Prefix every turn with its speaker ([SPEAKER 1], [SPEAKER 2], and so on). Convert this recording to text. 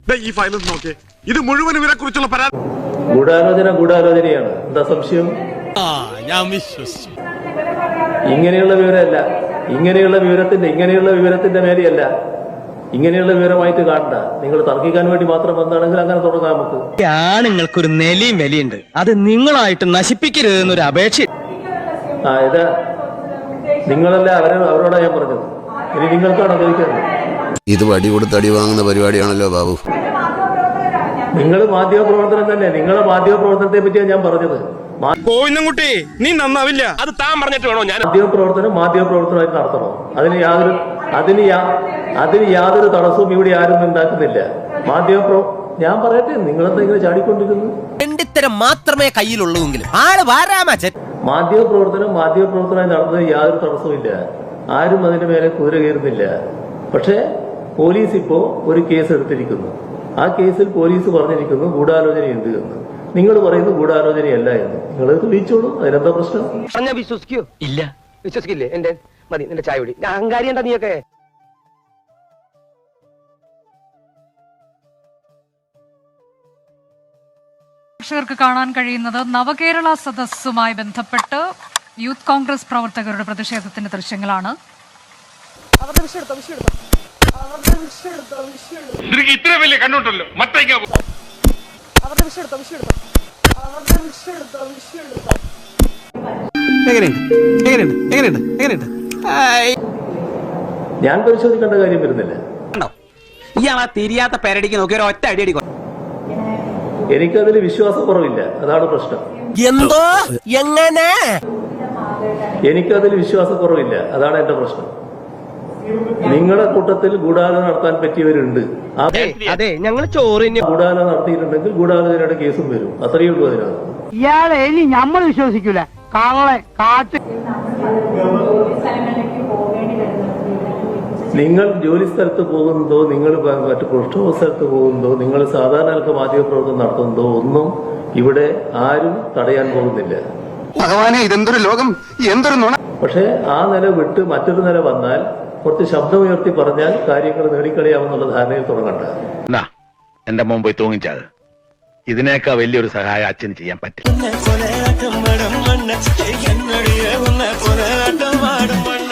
[SPEAKER 1] ഈ ഫയൽ നോക്കിയേ, ഇത് മുഴുവൻ ഇവരെ കുറിച്ചുള്ള പരാതി.
[SPEAKER 2] ഗൂഢാലോചനയാണ്. എന്താ സംശയം?
[SPEAKER 3] ഞാൻ വിശ്വസിച്ചു.
[SPEAKER 2] ഇങ്ങനെയുള്ള വിവരമല്ല, ഇങ്ങനെയുള്ള വിവരത്തിന്റെ മേലെയല്ല, ഇങ്ങനെയുള്ള വിവരമായിട്ട് കാണണ്ട. നിങ്ങൾ തർക്കിക്കാൻ വേണ്ടി മാത്രം വന്നാണെങ്കിൽ അങ്ങനെ തുടങ്ങാം നമുക്ക്.
[SPEAKER 4] ആണുങ്ങൾക്കൊരു നെലിയും വിലയുണ്ട്, അത് നിങ്ങളായിട്ട് നശിപ്പിക്കരുതെന്നൊരു അപേക്ഷ.
[SPEAKER 2] ഇത് നിങ്ങളല്ല അവരോടാ ഞാൻ പറഞ്ഞത്. ഇനി നിങ്ങൾക്കാണോ ചോദിക്കുന്നത്?
[SPEAKER 5] ഇത് വടി കൊടുത്ത് അടി വാങ്ങുന്ന പരിപാടിയാണല്ലോ ബാബു.
[SPEAKER 2] നിങ്ങൾ മാധ്യമപ്രവർത്തനം തന്നെ. നിങ്ങളെ മാധ്യമപ്രവർത്തനത്തെ പറ്റിയാണ് ഞാൻ പറഞ്ഞത്.
[SPEAKER 3] കോയിന്നുംകുട്ടി, നീ നന്നാവില്ല. അത് താൻ പറഞ്ഞിട്ട് വേണോ ഞാൻ
[SPEAKER 2] മാധ്യമപ്രവർത്തനമായിട്ട് നടത്തണം. അതിന് യാതൊരു തടസ്സവും ഇവിടെ ആരും ഉണ്ടാക്കുന്നില്ല. ഞാൻ പറയട്ടെ, നിങ്ങളെന്താ ഇങ്ങനെ ചാടിക്കൊണ്ടിരിക്കുന്നു?
[SPEAKER 4] രണ്ടിത്തരം മാത്രമേ കയ്യിലുള്ളൂവെങ്കിലും ആള് വാരാമച്ചൻ.
[SPEAKER 2] മാധ്യമപ്രവർത്തനമായി നടന്നത് യാതൊരു തടസ്സമില്ല. ആരും അതിന്റെ മേലെ കുതിര കയറുന്നില്ല. പക്ഷേ പോലീസ് ഇപ്പോ ഒരു കേസ് എടുത്തിരിക്കുന്നു. ആ കേസിൽ പോലീസ് പറഞ്ഞിരിക്കുന്നു ഗൂഢാലോചനയുണ്ട് എന്ന്. നിങ്ങൾ പറയുന്നു ഗൂഢാലോചനയല്ല എന്ന്. നിങ്ങൾ തെളിയിച്ചോളൂ, അതിനെന്താ പ്രശ്നം?
[SPEAKER 6] ഞാൻ വിശ്വസിക്കോ? ഇല്ല, വിശ്വസിക്കില്ലേ? എന്റെ മതി, നിന്റെ ചായ കുടി. ഞാൻ അഹങ്കാരി എന്താ നീയൊക്കെ?
[SPEAKER 7] പ്രേക്ഷകർക്ക് കാണാൻ കഴിയുന്നത് നവകേരള സദസ്സുമായി ബന്ധപ്പെട്ട് യൂത്ത് കോൺഗ്രസ് പ്രവർത്തകരുടെ പ്രതിഷേധത്തിന്റെ ദൃശ്യങ്ങളാണ്.
[SPEAKER 1] ഇത്ര വലിയ കണ്ണുണ്ടല്ലോ,
[SPEAKER 2] ഞാൻ പരിശോധിക്കേണ്ട കാര്യം വരുന്നില്ല.
[SPEAKER 6] ഇയാളാ തിരിയാത്ത പേരടിക്ക് നോക്കി ഒരു ഒറ്റ അടി അടിക്കും.
[SPEAKER 2] എനിക്കതിൽ വിശ്വാസക്കുറവില്ല, അതാണ് പ്രശ്നം.
[SPEAKER 4] എന്തോ എങ്ങനെ?
[SPEAKER 2] എനിക്കതിൽ വിശ്വാസക്കുറവില്ല, അതാണ് എന്റെ പ്രശ്നം. നിങ്ങളുടെ കൂട്ടത്തിൽ ഗൂഢാലോചന നടത്താൻ പറ്റിയവരുണ്ട്.
[SPEAKER 4] അതെ, ഞങ്ങൾ ചോറിന്
[SPEAKER 2] ഗൂഢാലോചന നടത്തിയിട്ടുണ്ടെങ്കിൽ ഗൂഢാലോചനയുടെ കേസും വരും. അത്രയേ ഉള്ളൂ അതിനകത്ത്.
[SPEAKER 6] ഇയാളെ ഇനി നമ്മൾ വിശ്വസിക്കൂല. കാളെ കാട്ട്.
[SPEAKER 2] നിങ്ങൾ ജോലി സ്ഥലത്ത് പോകുന്നതോ, നിങ്ങൾ മറ്റു പ്രക്ഷോഭ സ്ഥലത്ത് പോകുന്നതോ, നിങ്ങൾ സാധാരണ മാധ്യമപ്രവർത്തനം നടത്തുന്നതോ ഒന്നും ഇവിടെ ആരും തടയാൻ പോകുന്നില്ല.
[SPEAKER 1] ഭഗവാനെ, ഇതെന്തൊരു ലോകം, എന്തൊരു നുണ.
[SPEAKER 2] പക്ഷെ ആ നില വിട്ട് മറ്റൊരു നില വന്നാൽ, കുറച്ച് ശബ്ദമുയർത്തി പറഞ്ഞാൽ കാര്യങ്ങൾ നേടിക്കളയാമെന്നുള്ള ധാരണയിൽ തുടങ്ങണ്ട.
[SPEAKER 8] എന്റെ മുമ്പ് പോയി തൂങ്ങിച്ചത്. ഇതിനേക്കാൾ വലിയൊരു സഹായം അച്ഛന് ചെയ്യാൻ പറ്റില്ല.